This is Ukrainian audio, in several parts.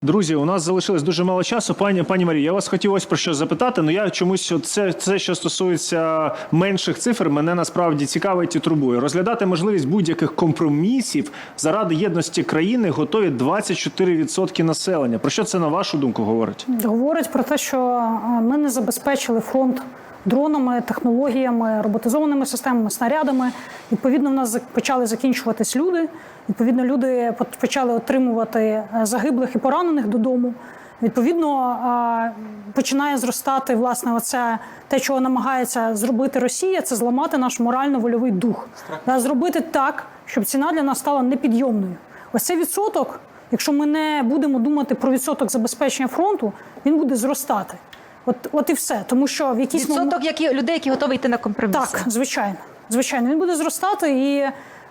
Друзі, у нас залишилось дуже мало часу. Пані Марія, я вас хотів ось про що запитати, але я чомусь, це, що стосується менших цифр, мене насправді цікавить і турбує. Розглядати можливість будь-яких компромісів заради єдності країни готові 24% населення. Про що це, на вашу думку, говорить? Говорить про те, що ми не забезпечили фронт дронами, технологіями, роботизованими системами, снарядами. Відповідно, в нас почали закінчуватись люди. Відповідно, люди почали отримувати загиблих і поранених додому. Відповідно, починає зростати, власне, те, чого намагається зробити Росія, це зламати наш морально-вольовий дух. Зробити так, щоб ціна для нас стала непідйомною. Ось цей відсоток, якщо ми не будемо думати про відсоток забезпечення фронту, він буде зростати. От і все. Тому що в якийсь відсоток людей, які готові йти на компроміси. Так, звичайно. Звичайно, він буде зростати, і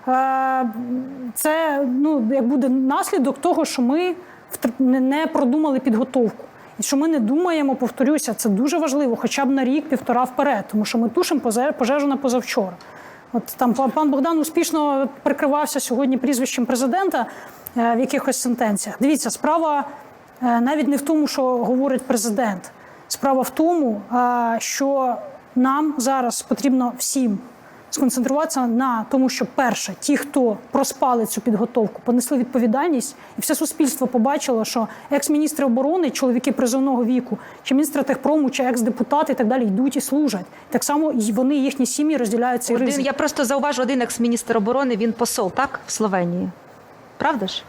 це як буде наслідок того, що ми не продумали підготовку. І що ми не думаємо, повторюся, це дуже важливо, хоча б на рік-півтора вперед, тому що ми тушимо пожежу на позавчора. От там пан Богдан успішно прикривався сьогодні прізвищем президента в якихось сентенціях. Дивіться, справа навіть не в тому, що говорить президент. Справа в тому, що нам зараз потрібно всім сконцентруватися на тому, що, перше, ті, хто проспали цю підготовку, понесли відповідальність, і все суспільство побачило, що екс-міністри оборони, чоловіки призовного віку, чи міністри техпрому, чи екс-депутати і так далі йдуть і служать. Так само і вони, їхні сім'ї розділяють цей ризик. Я просто зауважу, один екс-міністр оборони, він посол, так, в Словенії? Правда ж?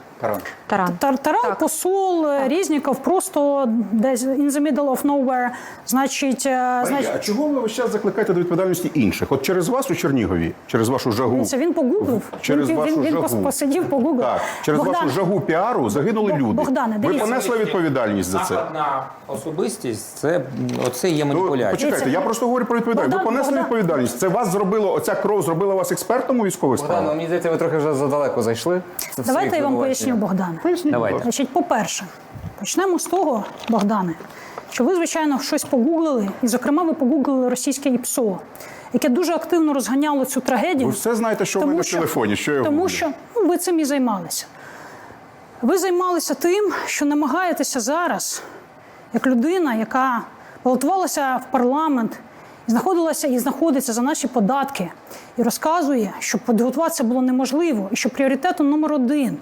Таран, посол, Резніков, просто десь in the middle of nowhere, значить... А чого ви весь час закликаєте до відповідальності інших? От через вас у Чернігові, через вашу жагу... Це він погуглив, він посидів, погуглив. Так, через вашу жагу піару загинули люди. Богдане, ви понесли відповідальність за це? Напад на особистість, оце є маніпуляція. Почекайте, я просто говорю про відповідальність. Ви понесли відповідальність. Це вас зробило, оця кров зробила вас експертом у військових справах? Богдан, мені здається, ви трохи вже задалеко зайшли. Давайте я вам поясню, Богдане. Значить, по-перше, почнемо з того, Богдане, що ви, звичайно, щось погуглили, і, зокрема, ви погуглили російське ІПСО, яке дуже активно розганяло цю трагедію. Ви все знаєте, що в мене в телефоні, що я гуглю. Тому що ви цим і займалися. Ви займалися тим, що намагаєтеся зараз, як людина, яка балотувалася в парламент, знаходилася і знаходиться за наші податки, і розказує, що підготуватися було неможливо, і що пріоритетом номер один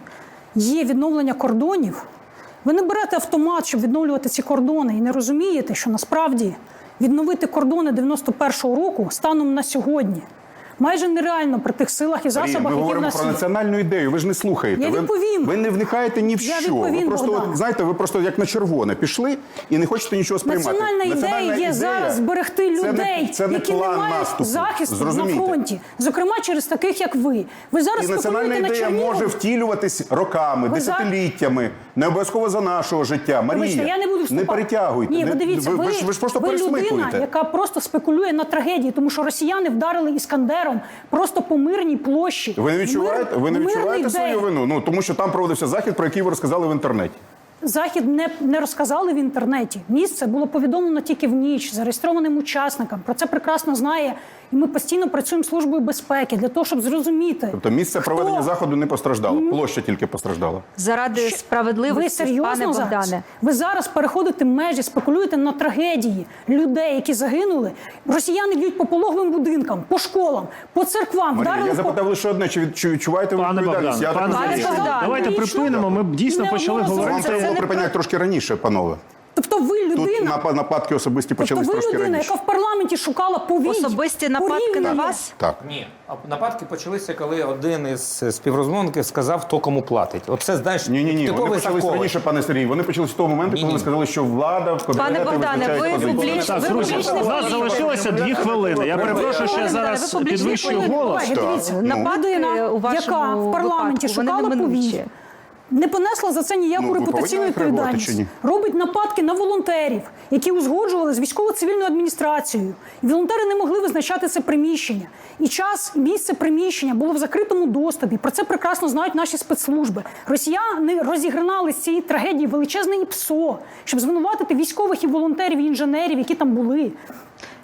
є відновлення кордонів. Ви не берете автомат, щоб відновлювати ці кордони, і не розумієте, що насправді відновити кордони 91-го року станом на сьогодні майже нереально при тих силах і засобах, які в нас є. Ми говоримо про національну ідею, ви ж не слухаєте. Я відповім. Ви не вникаєте ні в що. Ви просто, знаєте, ви просто як на червоне пішли і не хочете нічого сприймати. Національна ідея є зараз зберегти людей, які не мають захисту на фронті. Зокрема, через таких, як ви. Ви зараз національна ідея може втілюватись роками, десятиліттями, не обов'язково за нашого життя. Марія, не перетягуйте. Ні, ви дивіться, ви ж просто пересмикуєте. Ви людина, яка просто спекулює на трагедії, тому що росіяни вдарили Іскандером просто по мирній площі. Ви не відчуваєте свою вину? Тому що там проводився захід, про який ви розказали в інтернеті. Захід не розказали в інтернеті. Місце було повідомлено тільки в ніч, зареєстрованим учасникам. Про це прекрасно знає, і ми постійно працюємо з Службою безпеки для того, щоб зрозуміти. Тобто місце проведення заходу не постраждало, площа тільки постраждала. Заради справедливості, пане Богдане. Ви зараз переходите межі, спекулюєте на трагедії людей, які загинули. Росіяни б'ють по пологовим будинкам, по школам, по церквам. Марія, я запитав лише одне, чи відчуваєте ви відповідальність? Давайте припинимо, ми дійсно почали говорити. Припиняють трошки раніше, панове. Тобто ви людина... Тут нападки особисті почались трошки раніше. Тобто ви людина, яка в парламенті шукала повій. Особисті нападки на вас? Так. Ні, нападки почалися, коли один із співрозмовників сказав, хто кому платить. Оце, знаєш, Ні, вони почались раніше, пане Сергій. Вони почалися з того моменту, коли ви сказали, що влада в Пане Богдане, ви публічно... У нас залишилося 2 хвилини. Я перепрошую, що я зараз підвищую голос. Людина, яка в парламенті шукала повій, не понесла за це ніяку репутаційну відповідальність. Робить нападки на волонтерів, які узгоджували з військово-цивільною адміністрацією. І волонтери не могли визначати це приміщення. І час, і місце приміщення було в закритому доступі. Про це прекрасно знають наші спецслужби. Росіяни розігнали з цієї трагедії величезне ІПСО, щоб звинуватити військових і волонтерів, і інженерів, які там були.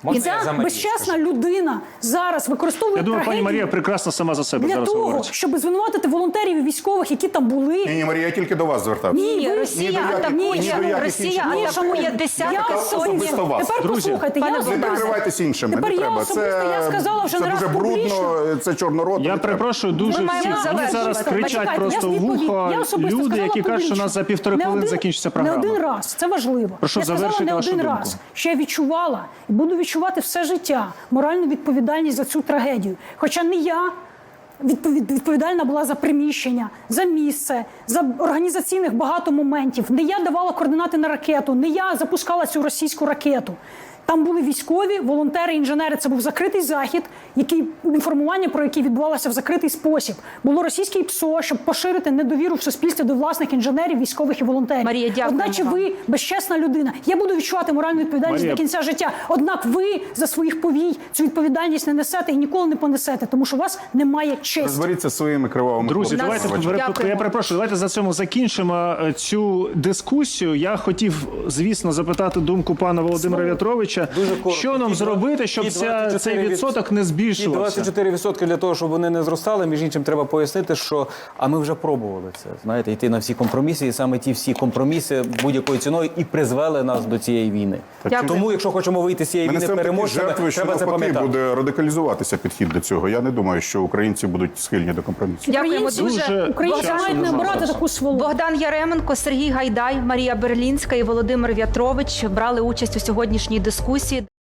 І Можна ця я за Марію безчесна людина зараз використовує Я думаю, пані трагедію Марія прекрасно сама за себе для зараз того, говорить. щоб звинуватити волонтерів і військових, які там були. Ні, Марія, я тільки до вас звертався. Ні, ви- Росія ні до яких- атакує, ні до яких Росія інших атакує шановні, десятки я сотень. особисто вас. Тепер Друзі, послухайте, пане я Не Богдане. прикривайтесь іншими, Тепер не я треба. особисто, я сказала вже це не раз дуже брудно, публічно. це чорнородно. Я не треба. перепрошую дуже Ми маємо всіх. Мені завершувати. зараз кричать Почекайте, просто я в відповідь. вухо Я особисто люди, сказала які кажуть, що у публічно. нас за півтори Не хвилини один- закінчиться програма. Не один раз, це важливо. Прошу, я сказала завершуйте не вашу один думку. раз, що я відчувала і буду відчувати все життя моральну відповідальність за цю трагедію. Хоча не я відповідальна була за приміщення, за місце, за організаційних багато моментів. Не я давала координати на ракету, не я запускала цю російську ракету. Там були військові, волонтери, інженери. Це був закритий захід, інформування про який відбувалося в закритий спосіб. Було російське ПСО, щоб поширити недовіру в суспільстві до власних інженерів, військових і волонтерів. Марія, дякуємо Одначе вам. ви безчесна людина. Я буду відчувати моральну відповідальність Марія. до кінця життя. Однак ви за своїх повій цю відповідальність не несете і ніколи не понесете, тому що у вас немає честі. Розберіться зі своїми кривавими Друзі, хлопцями. давайте Дякуємо. я перепрошую. Давайте за цьому закінчимо цю дискусію. Я хотів, звісно, запитати думку пана Володимира В'ятровича. Дуже коротко. Що нам Ті зробити, щоб ті цей 24% відсоток не Ті збільшувався? 24% для того, щоб вони не зростали, між іншим, треба пояснити, що а ми вже пробували це. Знаєте, йти на всі компроміси, і саме ті всі компроміси будь-якою ціною і призвели нас до цієї війни. Дякую. Тому, якщо хочемо вийти з цієї Ми війни несемо такі переможцями, жертви, що треба це навпаки пам'ятати. буде радикалізуватися підхід до цього. Я не думаю, що українці будуть схильні до компромісів. Дякуємо Українці, дуже. українці часу мають не нема обирати зараз. таку сволу. Богдан Яременко, Сергій Гайдай, Марія Берлінська і Володимир В'ятрович брали участь у сьогоднішній дискусії.